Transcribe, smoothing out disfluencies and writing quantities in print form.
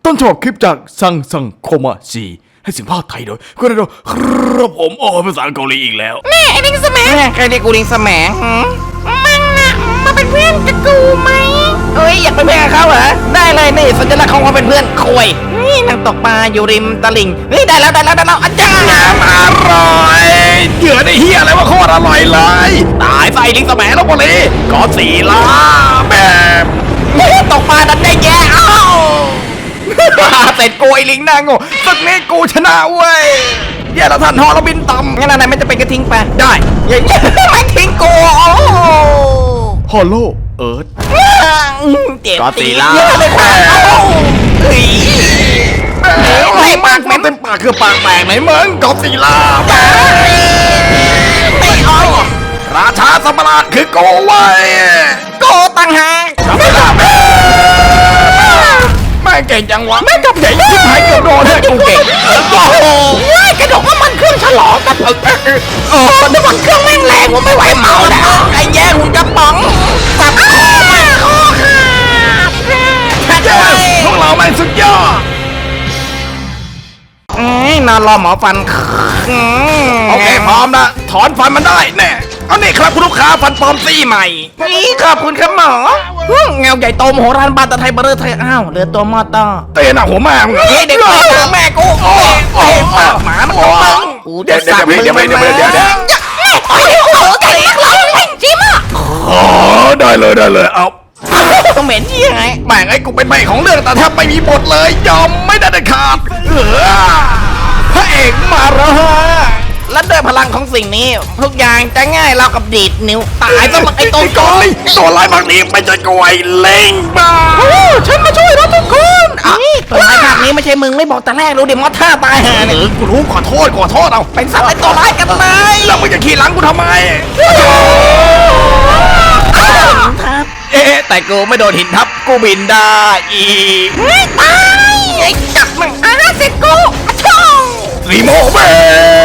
ต้นฉบับคลิปจากซังโคมาซีให้เสียงภาคไทยโดยคุณโดครับผมภาษาเกาหลีอีกแล้วแม่ไอ้ลิงสมังใครเรียกกูลิงสมังมึงน่ะมาเป็นเพื่อนกับกูไหมเอ้ยอยากเป็นเพื่อนกับเขาเหรอได้เลยนี่สัญลักษณ์ของความเป็นเพื่อนคุยนี่นั่งตกปลาอยู่ริมตลิ่งเฮ้ยได้แล้วอาจารย์อร่อยเหยื่อได้เฮียอะไรว่าโคตรอร่อยเลยตายใส่ลิงสมัยแล้วพอดีก็สีล้าแบบตกปลาดันได้แย่อ้าวเสร็จกูไอ้ลิงหน้าโง่สักนี้กูชนะเว้ยเดี๋ยวเราท่านฮอเราบินต่ำงั้นอะไรไม่จะเป็นกระทิ้งไปได้อย่างนี้ไม่ทิ้งกูโอ้ฮอลโลเอิร์ธเจ็บก็สีล้าเยอะเลยค่ะเฮ้ยไม่ปากมันเป็นปากคือปากแตกไหนมึงก็สีล้าไม่เอาราชาสัมปราชคือโกเว้ยโกต่างหากจำไม่ได้แม่เก่งจังวะแม่กับใหญ่ยิ่งหายเกือบโดนเลยกูเก่งโอ้โหกระดกน้ำมันเครื่องฉลองกันน้ำมันเครื่องแม่งแรงว่าไม่ไหวเมาแล้วไอ้แย่หุ่นกระป๋องสับคอมาคอขาดพวกเราแม่งสุดยอดนอนรอหมอฟันโอเคพร้อมนะถอนฟันมันได้แน่เอานี่ครับคุณลูกค้าฟันปลอมซี่ใหม่นี่ขอบคุณครับหมอเงาใหญ่โตมโหฬารบานตะไทยเบอร์ไทยอ้าวเหลือตัวมอต้อเตะหน้าหัวแม่มึงเฮ้ยเด็กแม่กูโอ้หมามันของมึงเดี๋ยวแต่เรียกร้องไม่จิ้มอ่ะอ๋อได้เลยเอาต้องเหม็นยี่ไงแม่งไอ้กูเป็นใบของเรื่องแต่แทบไม่มีบทเลยยอมไม่ได้เด็ดขาดพระเอกมาแล้วฮะและด้วยพลังของสิ่งนี้ทุกอย่างจะง่ายเรากับดีดนิ้วตายสมัครไอ้ตัวก่อนเลยตัวร้ายบางทีไม่ใช่กวยเล่งบ้าฉันมาช่วยเราทุกคนตัวร้ายภาคนี้ไม่ใช่มึงไม่บอกแต่แรกรู้ดิมอท่าตายหาเนี่ยกูรู้ขอโทษเอาเป็นสัตว์ไอ้ตัวร้ายกันเลยแล้วมึงจะขี่หลังกูทำไม แต่กูไม่โดนหินทับกูบินได้อีกตายไอ้จับมึงเสร็จกูช่องรีโมเบ